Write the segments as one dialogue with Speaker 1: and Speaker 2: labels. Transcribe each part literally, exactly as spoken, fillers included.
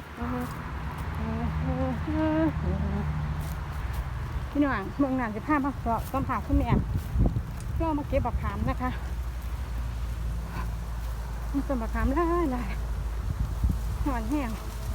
Speaker 1: พี่น้องเมืองน่านจะพามาสอบสัมผัสคุณแม่ก็มาเก็บบักขามนะคะมีต้นบักขามหลายหลายหอนแห้ง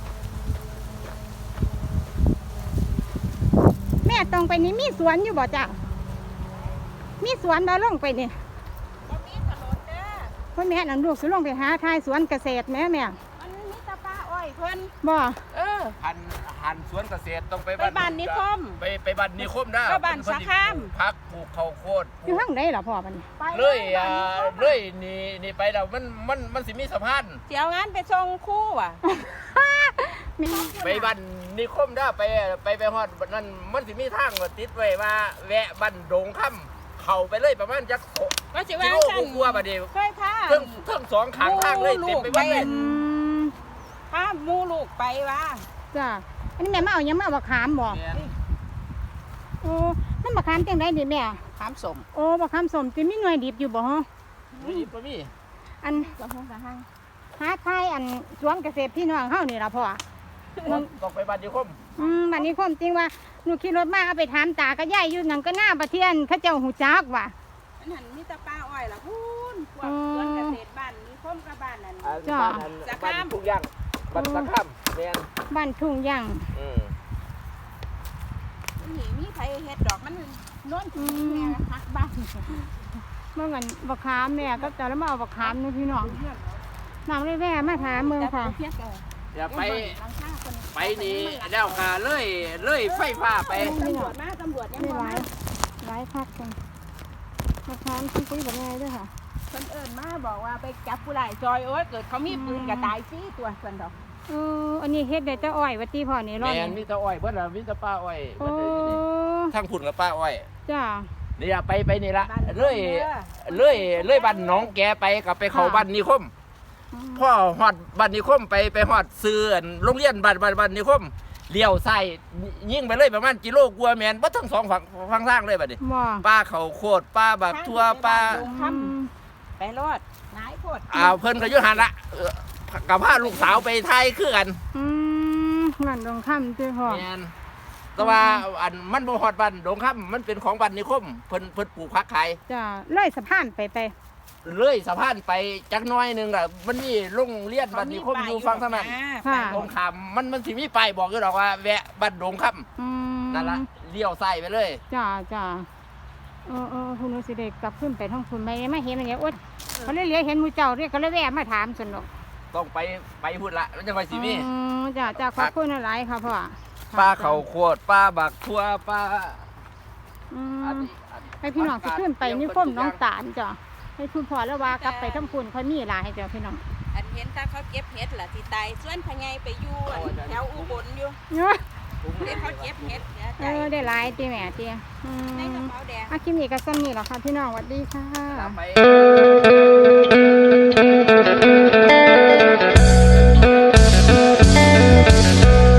Speaker 1: แม่ตรงไปนี้มีสวนอยู่บ่จ้ะมีสวนบ่ลงไปนี่
Speaker 2: บ่มีถนนเด้อ
Speaker 1: พ่อแม่หลังลูกสิลงไปหาทายสวนเกษตรแม่แม่
Speaker 2: มันมีตะปาอ้อยเพิ่น
Speaker 1: บ่
Speaker 2: เออ
Speaker 3: หันหันสวนเกษตรต้องไป
Speaker 2: ไปบ้านนิคม
Speaker 3: ไปไปบ้านนิคมนะ
Speaker 2: ก็บ้านสะขาม
Speaker 3: พักปลูกข้าวโพด
Speaker 1: อยู่ทางใดล่ะพ่อมัน
Speaker 3: เลยอ่าเลยนี่นี่ไปแล้วมันมันมันสิมีสะพาน
Speaker 2: เสียวงานไปส่งคู่ว่ะ
Speaker 3: ไปบ้านนิคมได้ไปไปไปฮอดนั่นมันสิมีทางติดไว้ว่าแวะบ้านดงค่ำเข้าไปเลยประมาณจัก
Speaker 2: ก็สิว่า
Speaker 3: ซั่นกลัวบัดนี้
Speaker 2: เคยพา
Speaker 3: เทั้งเทั้งสองข้างทางเลยเต็มไปหมดเลย
Speaker 2: พาหมู่ลูกไปว่า
Speaker 1: จ้ะอันนี้แม่มาเอายังมาเอาบักขามบ่โอ้นั่นบักขามจังได๋ดิแม่
Speaker 2: ขามสม
Speaker 1: โอ้บักขามสมสิมีหน่วยดิบอยู่บ่ฮะ
Speaker 3: มีบ่มี
Speaker 1: อัน
Speaker 2: สะหงสะหัง
Speaker 1: หาทายอันสวนเกษตรพี่น้องเฮานี่ล่ะพ่อ
Speaker 3: ต้องไปบ้านนิคม
Speaker 1: อืมบ้านนิคมจริงว่าหนูขี่รถมาเอาไปถามตากับยายอยู่นั่นก็หน้าประเทียนเขาเจ้าหูจักว่ะ
Speaker 2: อันนั้นมีตะปาอ้อยล่ะพูนพวกสวนเกษตรบ้านนิคมกับบ้านนั่น
Speaker 1: จ้ะ
Speaker 3: สะขามทุกอย่างบ้านสะขามแม่น
Speaker 1: บ้านทุ่งย่าง
Speaker 3: อืม
Speaker 2: นี่มีไผเฮ็ดดอกมันโน่นที่แม่ฮักบ้าน
Speaker 1: เมื่อวันบักขามแม่ก็จะแล้วมาเอาบักขามนี่พี่น้องน้ำเลยแว่มาถามเมืองค่ะ
Speaker 3: อย่าไปไปนี่แล้วค่ะเลยเลยไฟฟ้าไป
Speaker 2: ตำรวจมาตำรวจยัง
Speaker 1: ไม่ไหวไหวพักกันบักขามที่ปุ้ยแบบไงด้วยค่ะ
Speaker 2: คนเอิญมาบอกว่าไปจับผู้ร้ายจอยโอ้ยเกิดเขามีปืนกระตายซีตัวส่วนดอก
Speaker 1: เอออันนี้เฮ็ดได้แต่อ้อยวัดที่พ่อนี่รอด
Speaker 3: แม่นมีแต่อ้อยเพิ่นล่ะมีแต่ป้าอ้อยเพิ่นนี่ทั้งพุ่นกับป้าอ้อย
Speaker 1: จ้า
Speaker 3: นี่ล่ะไปไปนี่ละเลยเลยเลยบ้านน้องแกไปกับไปเข้าบ้านนิคมพ่อฮอดบ้านนิคมไปไปฮอดซื้อโรงเรียนบ้านบ้านบ้านนิคมเลี้ยวซ้ายยิ่งไปเลยประมาณกิโลกว่าแม่นบ่ทั้งสองฝั่งฝั่งทางเลยบัดนี้ป้าเขาโคตรป้าบักทั่วป้า
Speaker 2: ไปรอดนายโคตร
Speaker 3: อ้าวเพิ่นก็อยู่หั่นละกับพาลูกสาวไปไทยคือกัน
Speaker 1: อืมนั่นดงค่ำติพ่อ
Speaker 3: แม่นแต่ว่าอันมันบ่ฮอดบ้านดงค่ำมันเป็นของบ้านนิคมเพิ่นเพิ่นปลูกผักขาย
Speaker 1: จ้าเลยสะพานไปไป
Speaker 3: เลยสะพานไปจักน้อยนึงล่ะมันมีโรงเรียนบ้านนิคมอยู่ฝั่งทางนั้นตรงข้ามมันมันสิมีป้ายบอกอยู่ดอกว่าแวะบ้านดงค่ำนั่นล่ะเลี้ยวซ้ายไปเลย
Speaker 1: จ้าจ้าเออเออคุณนุสิเด็กกลับขึ้นไปท้องคุณไม่ไม่เห็นอะไรเงี้ยอดเขาเลยเลี้ยเห็นมูเจ้าเรียกเขาเลยแวะมาถามสนุก
Speaker 3: ต้องไปไปพูดละมันจะไปสิมี
Speaker 1: จ้าจ้าขอบคุณอะไรค่ะพ่อ
Speaker 3: ป้าเขาโคตรป้าบักทั่วป้า
Speaker 1: ให้พี่น้องสิขึ้นไปนี่ก้มน้องตาลจ้ะให้คุณพ่อแล้วว่ากลับไปทั้งคุณเขามีหลายให้จ้ะพี่น้อง
Speaker 2: อันเห็นตาเขาเก็บเห็ดล่ะที่ตายส่วนพญายไปอยู่แถวอุบลอยู่เด็กเขาเก็บเห็ด
Speaker 1: เออได้หลายตีแม่ตี
Speaker 2: ในกระเป๋าแดง
Speaker 1: อาคิมนี่ก็ซ้ำนี่หรอค่ะพี่น้องสวัสดีค่ะ